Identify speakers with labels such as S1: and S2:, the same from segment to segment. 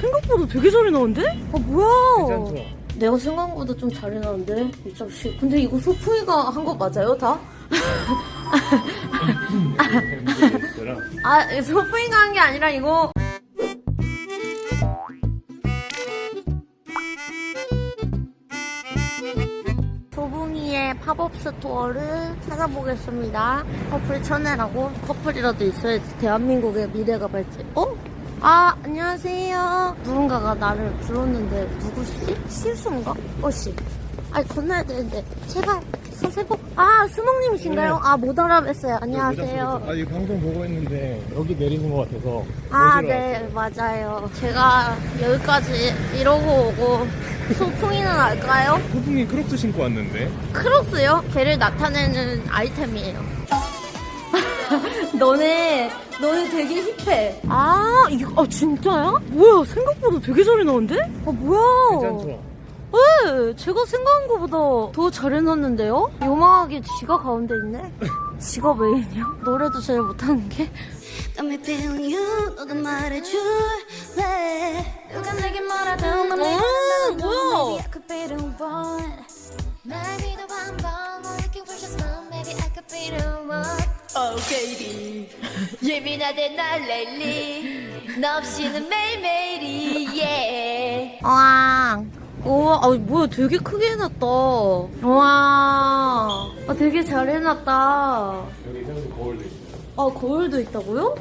S1: 생각보다 되게 잘해 나오는데? 아 뭐야?
S2: 괜찮죠?
S1: 내가 생각보다 좀 잘해 나오는데 이 자식. 근데 이거 소풍이가 한 거 맞아요 다? 아 소풍이가 한 게 아니라 이거. 소붕이의 팝업 스토어를 찾아보겠습니다. 커플 천혜라고? 커플이라도 있어야지 대한민국의 미래가 밝지. 어? 아 안녕하세요. 누군가가 나를 불렀는데 누구시지? 실수인가? 어씨. 아니 건너야 되는데 제발 서세고. 아 스몽님이신가요?
S2: 네.
S1: 아 못 알아뵀어요. 안녕하세요.
S2: 아, 이 방송 보고 있는데 여기 내리는 것 같아서.
S1: 아,
S2: 모시러
S1: 네, 맞아요. 제가 여기까지 이러고 오고 소풍이는 알까요?
S2: 왔어요. 소풍이 크록스 신고 왔는데.
S1: 크록스요? 걔를 나타내는 아이템이에요. 너네 되게 힙해. 아, 이거, 아, 진짜야? 뭐야, 생각보다 되게 잘해 나오는데? 아, 뭐야.
S2: 괜찮죠?
S1: 네, 제가 생각한 것보다 더 잘해놨는데요? 요망하게 지가 가운데 있네? 지가 왜 있냐? 노래도 제일 못하는 게?
S3: Got me feeling you 너도 말해줄래 누가 내게 뭐라도 맘이
S1: 뭐야?
S3: Maybe I could be the one 날 믿어 한번 We're looking for just fun Maybe I could be the one
S4: Oh baby 예민하대 날 랠리 너 없이는 매일매일이 yeah
S1: 와, 우와, 아, 뭐야, 되게 크게 해놨다. 와, 아, 되게 잘 해놨다.
S2: 여기 생수 거울도 있어요.
S1: 아, 거울도 있다고요?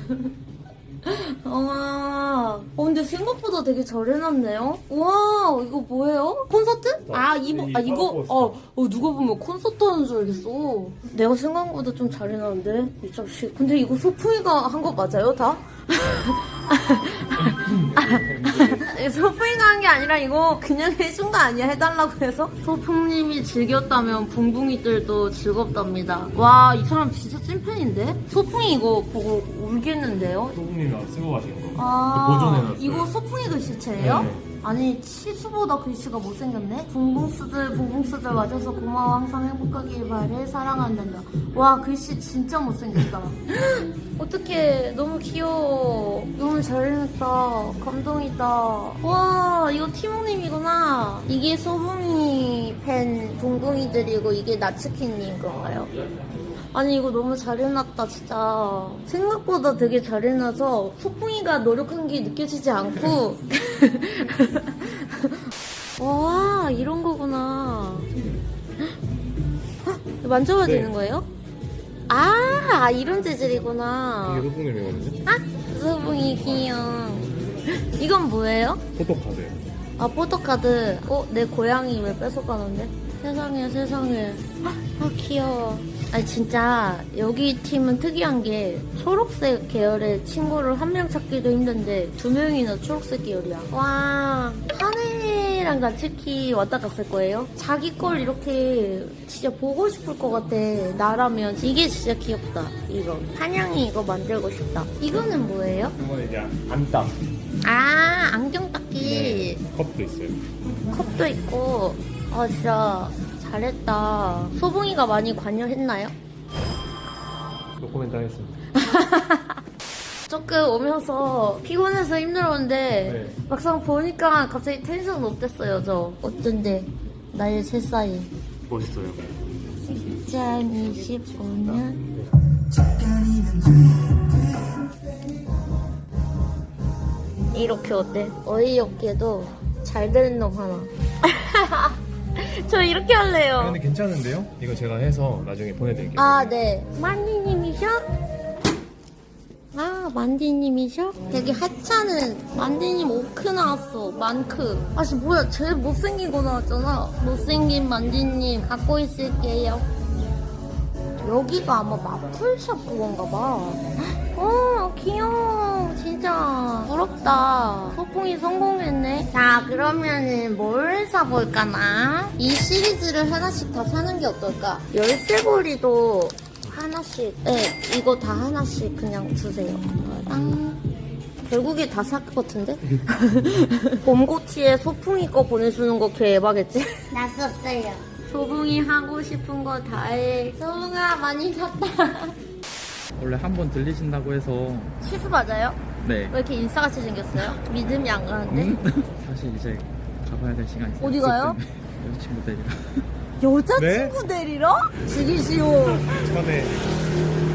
S1: 와, 근데 생각보다 되게 잘 해놨네요. 와, 이거 뭐예요? 콘서트? 아, 이거, 누가 보면 콘서트 하는 줄 알겠어. 내가 생각보다 좀 잘 해놨는데, 이 자식. 근데 이거 소풍이가 한 거 맞아요, 다? 소풍이가 한 게 아니라 이거 그냥 해준 거 아니야? 해달라고 해서? 소풍님이 즐겼다면 붕붕이들도 즐겁답니다. 와, 이 사람 진짜 찐팬인데? 소풍이 이거 보고 울겠는데요?
S2: 소풍님이 쓰고 가신 거.
S1: 아,
S2: 보존해놨어요.
S1: 이거 소풍이 글씨체예요?
S2: 네.
S1: 아니, 치수보다 글씨가 못생겼네? 붕붕스들 와줘서 고마워. 항상 행복하길 바래. 사랑한단다. 와, 글씨 진짜 못생겼다. 어떡해. 너무 귀여워. 너무 잘해냈다. 감동이다. 와, 이거 티몽님이구나. 이게 소붕이 팬 붕붕이들이고 이게 나츠키님 건가요? 아니 이거 너무 잘해놨다 진짜. 생각보다 되게 잘해놔서 소풍이가 노력한 게 느껴지지 않고 와 이런 거구나. 헉, 만져봐도
S2: 네.
S1: 되는 거예요? 아 이런 재질이구나.
S2: 이게 소풍님이거든요.
S1: 아 소풍이 귀여워. 이건 뭐예요?
S2: 포토카드.
S1: 아 포토카드. 내 고양이 왜 뺏어가는데? 세상에. 아 귀여워. 아니 진짜 여기 팀은 특이한 게 초록색 계열의 친구를 한 명 찾기도 힘든데 두 명이나 초록색 계열이야. 와 한혜랑 나츠키 왔다 갔을 거예요? 자기 걸 이렇게 진짜 보고 싶을 것 같아. 나라면 이게 진짜 귀엽다. 이거 한양이 이거 만들고 싶다. 이거는 뭐예요?
S2: 이건 이제 안땀.
S1: 아 안경 닦기.
S2: 컵도 있어요.
S1: 컵도 있고. 아 진짜 잘했다. 소붕이가 많이 관여했나요?
S2: 노코멘트 하겠습니다.
S1: 조금 오면서 피곤해서 힘들었는데
S2: 네.
S1: 막상 보니까 갑자기 텐션 높댔어요. 저 어쩐데 나의 새사이
S2: 멋있어요.
S1: 2025년 이렇게 어때? 어이없게도 잘 되는 놈 하나. 저 이렇게 할래요.
S2: 근데 괜찮은데요? 이거 제가 해서 나중에 보내드릴게요.
S1: 아, 네. 만디님이셔? 아, 만디님이셔? 되게 하찮은 만디님 오크 나왔어. 만크. 아, 씨, 뭐야. 제일 못생긴 거 나왔잖아. 못생긴 만디님 갖고 있을게요. 여기가 아마 마플샵 그건가 봐. 귀여워. 진짜 부럽다. 소풍이 성공했네. 자, 그러면은 뭘 사볼까나? 이 시리즈를 하나씩 다 사는 게 어떨까? 열쇠고리도 하나씩. 네, 이거 다 하나씩 그냥 주세요. 땅. 결국에 다 살 것 같은데? 봄고티에 소풍이 거 보내주는 거 개 에바겠지?
S3: 났었어요
S1: 소풍이 하고 싶은 거 다 해. 소풍아 많이 샀다.
S2: 원래 한 번 들리신다고 해서
S1: 치수 맞아요?
S5: 네.
S1: 왜 이렇게 인싸같이 생겼어요? 믿음이 안 가는데?
S5: 사실 이제 가봐야 될 시간이 있어요.
S1: 어디 가요?
S5: 여자친구 데리러.
S1: 여자친구 데리러? 죽이시오.
S2: 전에